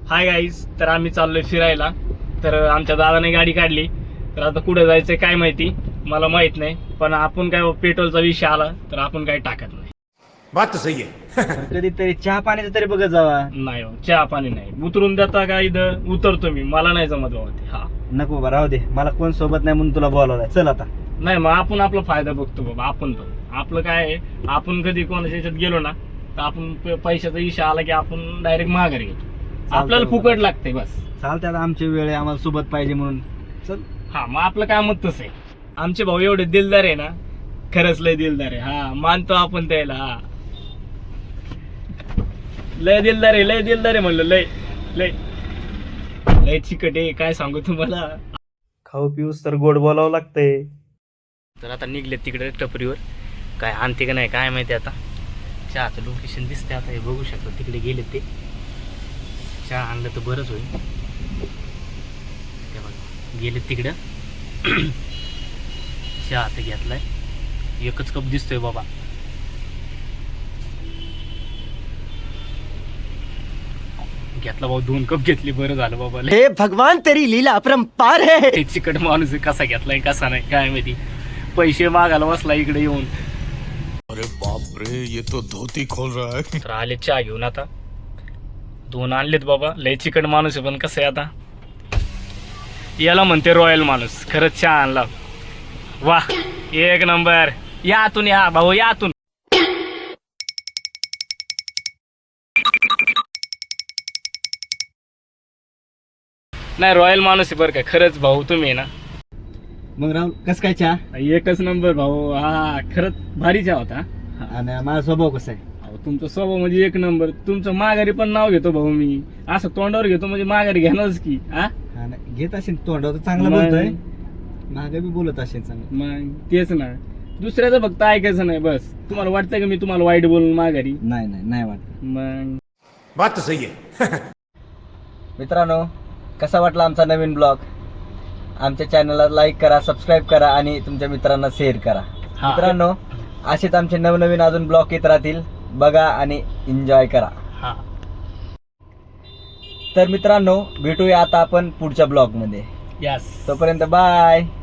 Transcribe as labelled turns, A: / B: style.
A: Hi guys, तर आम्ही चाललोय फिरायला. तर आमच्या दादाने गाडी काढली. तर आता कुठे जायचंय काय माहिती, मला माहित नाही. पण आपण काय पेट्रोलचा विषय आला तर आपण काय टाकत नाही.
B: बात तो सही है.
C: कधीतरी चहा पाण्याचं तरी बघत जावा.
A: नाही हो, चहा पाणी नाही. उतरून देता का इथं उतरतो मी, मला नाही जमत बाबा ते. हा
C: नको बाबा, राहू दे. मला कोण सोबत नाही म्हणून तुला बोलावलाय. चल आता.
A: नाही, मग आपण आपला फायदा बघतो बाबा. आपण पण आपलं काय आहे, आपण कधी कोणाच्या याच्यात गेलो ना तर आपण पैशाचा विषय आला की आपण डायरेक्ट माघारी घेतो. आपल्याला
C: बाबा.
A: फुकट लागते बस.
C: चालते आता, आमची वेळ आहे, आम्हाला सोबत पाहिजे म्हणून. चल.
A: हा, मग आपलं काय मत तसं आहे. आमचे भाऊ एवढे दिलदार आहे ना, खरंच लय दिलदार आहे. हा, मानतो आपण त्याला. हा, लय दिलदार आहे, लय दिलदार आहे म्हणलं. लय लय लय चिकट आहे, काय सांगू तुम्हाला.
C: खाऊ पिऊस तर गोड बोलावं लागतंय.
A: तर आता निघले तिकडे टपरीवर. काय आणते का नाही काय माहिती. आता चहाचं लोकेशन दिसते. आता हे बघू शकतो, तिकडे गेले ते. चहा आणलं तर बरंच होईल. ते बघा गेले तिकडं. चहा आता घेतलाय, एकच कप दिसतोय बाबा. घेतला भाऊ, 2 कप घेतली, बरं झालं बाबा.
C: हे भगवान, तेरी लीला अपरंपार है.
A: हे चिकट माणूस आहे, कसा घेतलाय कसा नाही काय माहिती. पैसे मागायला बसला इकडे येऊन.
B: अरे बाप रे, ये तो धोती खोल रहा है.
A: तर आले चहा घेऊन. आता 2 आणलेत बाबा. लय चिकट माणूस आहे, पण कसं आहे आता, याला म्हणते रॉयल माणूस. खरंच चहा आणला. वा, एक नंबर. या आतून, या भाऊ, या आतून. नाही, रॉयल माणूस आहे बरं का. खरंच भाऊ तुम्ही आहे ना.
C: मग राहुल, कस काय चहा?
A: एकच नंबर भाऊ. हा, खरंच भारी चहा होता.
C: आणि माझा स्वभाव कसा आहे?
A: अहो, तुमचा स्वभाव म्हणजे एक नंबर. तुमचं माघारी पण नाव घेतो भाऊ मी. असं तोंडावर घेतो म्हणजे माघारी घेणारच की. हा,
C: हा ना, घेत असेल तोंडावर तर चांगलं
A: मग-
C: बोलतोय. मागे बी बोलत असेल चांगलं.
A: मग तेच ना, दुसऱ्याचं फक्त ऐकायचं नाही बस. तुम्हाला वाटतं का मी तुम्हाला वाईट बोलून माघारी?
C: नाही नाही नाही वाटत.
A: मग
B: बात तो सही है.
C: मित्रांनो, कसा वाटला आमचा नवीन ब्लॉग? आमच्या चॅनलला लाईक करा, सबस्क्राईब करा आणि तुमच्या मित्रांना शेअर करा.
A: हा.
C: मित्रांनो, असेच आमचे नवनवीन अजून ब्लॉग येत राहतील. बघा आणि एन्जॉय करा.
A: हा,
C: तर मित्रांनो, भेटूया आता आपण पुढच्या ब्लॉग मध्ये.
A: यस.
C: तोपर्यंत बाय.